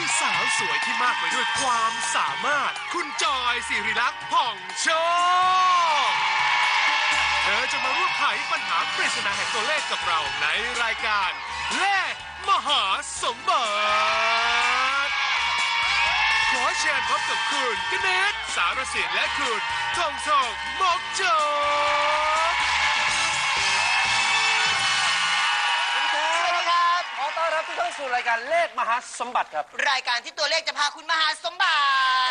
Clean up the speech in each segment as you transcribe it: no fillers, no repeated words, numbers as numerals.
สาวสวยที่มากไปด้วยความสามารถคุณจอยสิริลักษณ์ผ่องโชคเธอจะมาร่วมไขปัญหาปริศนาแห่งตัวเลขกับเราในรายการเลขมหาสมบัติขอเชิญพบกับคุณกเนศสารสินและคุณทองทองมกจกขอต้อนรับทุกท่านสู่รายการเลขมหาสมบัติครับรายการที่ตัวเลขจะพาคุณมาหาสมบัติ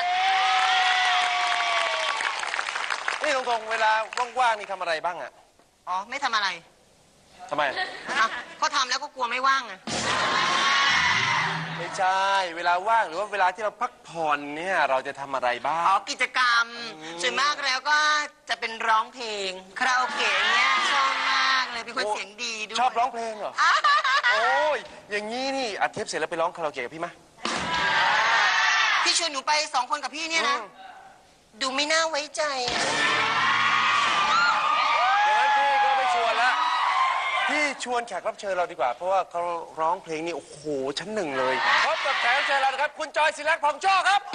นี่ตรงๆเวลาว่างๆนี่ทำอะไรบ้างอะอ๋อไม่ทำอะไรทำไมเขาทำแล้วก็กลัวไม่ว่างอะไม่ใช่เวลาว่างหรือว่าเวลาที่เราพักผ่อนเนี่ยเราจะทำอะไรบ้างอ๋อกิจกรรมส่วนมากแล้วก็จะเป็นร้องเพลงคาราโอเกะเนี่ยชอบมากเลยเป็นคนเสียงดีด้วยชอบร้องเพลงเหรอโอ้ยอย่างนี้นี่อัดเทปเสร็จแล้วไปร้องคาราโอเกะกับพี่มะพี่ชวนหนูไป2 คนกับพี่เนี่ยนะดูไม่น่าไว้ใจอย่างนั้นพี่ก็ไม่ชวนละพี่ชวนแขกรับเชิญเราดีกว่าเพราะว่าเขาร้องเพลงนี่โอ้โหชั้นหนึ่งเลยพบกับแขกรับเชิญเรานะครับคุณจอยศิริลักษณ์ผ่องโชคครับ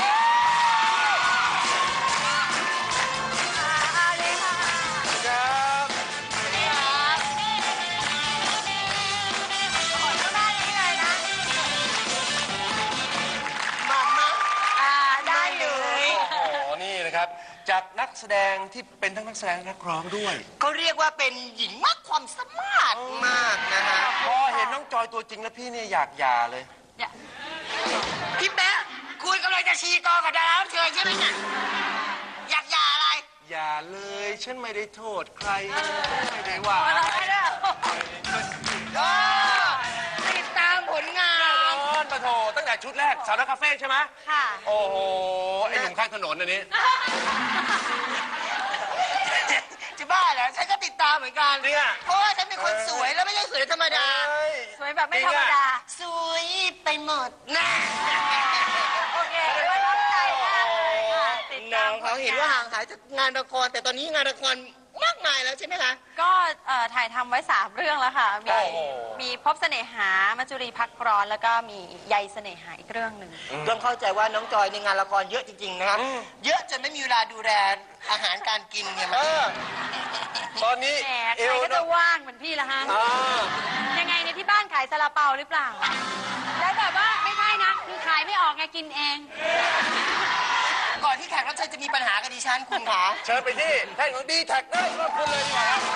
จากนักแสดงที่เป็นทั้งนักแสดงนักร้องด้วยเขาเรียกว่าเป็นหญิงมากความสามารถมากนะฮะพอเห็นน้องจอยตัวจริงแล้วพี่เนี่ยอยากหย่าเลยพี่แป๊ะคุณกำลังจะชี้กองกับดารารับเชิญใช่ไหมเนี่ยอยากหย่าอะไรอย่าเลยฉันไม่ได้โทษใครไม่ได้ว่าติดตามผลงานปะโถตั้งแต่ชุดแรกสาวนักคาเฟ่ใช่ไหมค่ะโอ้โหไอหนุ่มข้างถนนอันนี้จะบ้าเหรอฉันก็ติดตามเหมือนกันเนี่ยเพราะว่าฉันเป็นคนสวยแล้วไม่ใช่สวยธรรมดาสวยแบบไม่ธรรมดาสวยไปหมดนะโอเคว่าตั้งใจมากเลยค่ะติดตามเขาเห็นว่าห่างหายจากงานละครแต่ตอนนี้งานละครมากมายแล้วใช่ไหมคะก็ถ่ายทำไว้3 เรื่องแล้วค่ะมีพบเสน่หามัจจุรีพักร้อนแล้วก็มีใยเสน่หาอีกเรื่องหนึ่งต้องเข้าใจว่าน้องจอยในงานละครเยอะจริงๆนะครับเยอะจนไม่มีเวลาดูแลอาหารการกินเนี่ยมันตอนนี้ใครก็จะว่างเหมือนพี่ละฮะยังไงในที่บ้านขายซาลาเปาหรือเปล่าแล้วแบบว่าไม่ใช่นะคือขายไม่ออกไงกินเองก่อนที่แขกรับเชิญจะมีปัญหากับดิฉันคุณคะเชิญไปที่แท่นของดีแท็กได้ขอบคุณเลยดีกว่าครับ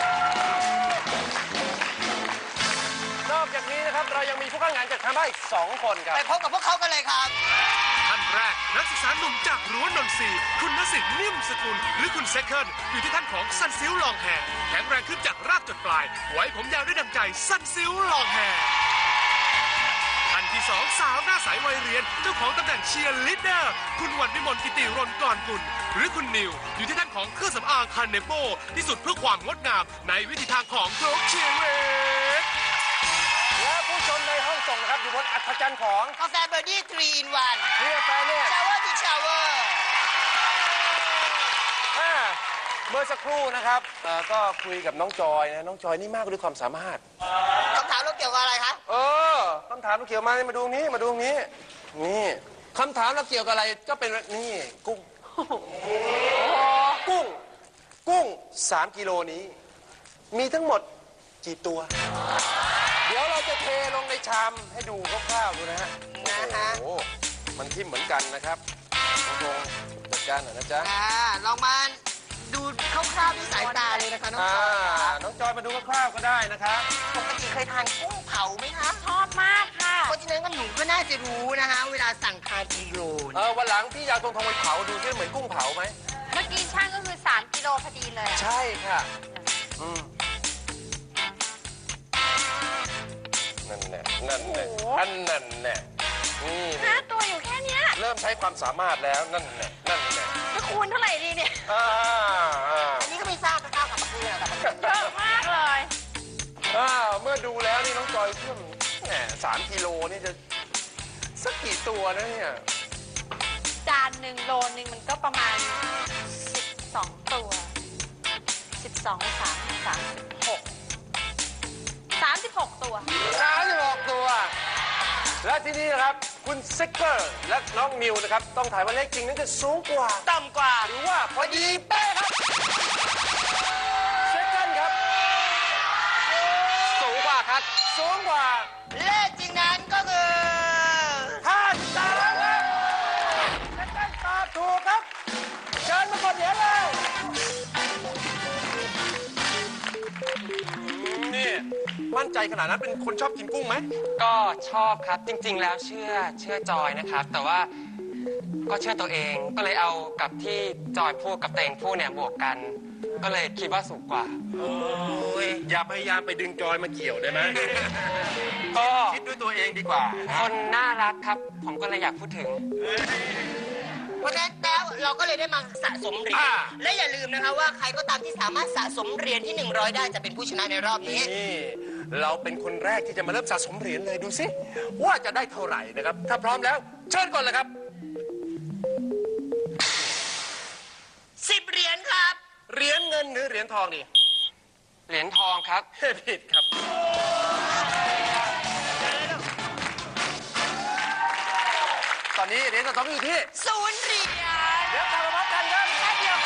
นอกจากนี้นะครับเรายังมีผู้เข้างานจากทางบ้านอีก2 คนครับไปพบกับพวกเขากันเลยครับท่านแรกนักศึกษาหนุ่มจากรั้วนนทรีคุณณสิทธิ์นิ่มสกุลหรือคุณเซคเคิลอยู่ที่ท่านของซันซิลลองแฮร์แข็งแรงขึ้นจากรากจนปลายไว้ผมยาวด้วยดังใจซันซิลลองแฮร์ท่านที่2สาวหน้าใสวัยเรียนเจ้าของตำแหน่งเชียร์ลีดเดอร์คุณวันวิมลกิติรนกรกุลหรือคุณนิวอยู่ที่ท่านของเครื่องสำอางคาเนโปที่สุดเพื่อความงดงามในวิถีทางของโคกเชียร์เรดและผู้ชมในห้องส่งนะครับอยู่บนอัศจรรย์ของกาแฟเบอร์ดี้3 in 1 นี่กาแฟเนี่ยชาวเวอร์ที่ชาวเวอร์เมื่อสักครู่นะครับก็คุยกับน้องจอยนะน้องจอยนี่มากด้วยความสามารถคำถามเราเกี่ยวกับอะไรคะคำถามเราเกี่ยวมาดูนี้นี่คำถามเราเกี่ยวกับอะไรก็เป็นนี่กุ้ง3 กิโลนี้มีทั้งหมดกี่ตัวเดี๋ยวเราจะเทลงในชามให้ดูคร่าวๆดูนะฮะโอ้มันทิ่มเหมือนกันนะครับน้องจัดการหน่อยนะจ๊ะลองมาดูคร่าวๆด้วยสายตาเลยนะคะน้องจอยน้องจอยมาดูคร่าวๆก็ได้นะครับปกติเคยทานกุ้งเผาไหมคะชอบมากค่ะเพราะฉะนั้นก็หนูก็น่าจะรู้นะคะเวลาสั่งทานกิโลวันหลังพี่อยากทงไปเผาดูซิเหมือนกุ้งเผาไหมเมื่อกี้ช่างก็คือ3 กิโลพอดีเลยใช่ค่ะนั่นแหละนี่ 5 ตัวอยู่แค่นี้เริ่มใช้ความสามารถแล้วนั่นแหละจะคูณเท่าไหร่ดีเนี่ยอันนี้ก็ไม่ทราบนะครับกับเพื่อนเยอะมากเลยเมื่อดูแล้วนี่น้องจอยเพิ่ม3 กิโลนี่จะสักกี่ตัวนะเนี่ยจาน1 โลนึงมันก็ประมาณ12 ตัว12 36 ตัว 36 ตัวและที่นี่นะครับคุณเซกเกอร์และน้องนิวนะครับต้องถ่ายว่าเลขจริงนั้นจะสูงกว่าต่ำกว่าหรือว่าพอดีเป๊ะครับเซกเกอร์ครับสูงกว่าครับสูงกว่าเลขจริงนั้นก็คือ 53ครับเซกเกอร์ตอบถูกครับเชิญมากดเหรียญเลยนี่มั่นใจขนาดนั้นเป็นคนชอบกินกุ้งไหมก็ชอบครับจริงๆแล้วเชื่อจอยนะครับ แต่ว่าก็เชื่อตัวเองก็เลยเอากับที่จอยพูดกับเตงพูดเนี่ยบวกกัน ก็เลยคิดว่าสูงกว่าโอ้ยอย่าพยายามไปดึงจอยมาเกี่ยวได้ไหมก็คิดด้วยตัวเองดีกว่าคนน่ารักครับ ผมก็เลยอยากพูดถึงเพราะฉะนั้นแล้วเราก็เลยได้มาสะสมเหรียญและอย่าลืมนะคะว่าใครก็ตามที่สามารถสะสมเหรียญที่ 100 ได้จะเป็นผู้ชนะในรอบนี้นี่เราเป็นคนแรกที่จะมาเริ่มสะสมเหรียญเลยดูสิว่าจะได้เท่าไหร่นะครับ ถ้าพร้อมแล้วเชิญก่อนเลยครับ 10 เหรียญครับเหรียญเงินหรือเหรียญทองดีเหรียญทองครับผิดครับ ตอนนี้เหรียญเงินทองอยู่ที่ 0 เหรียญเดี๋ยวกลับมาพบกันครับแป๊บเดียว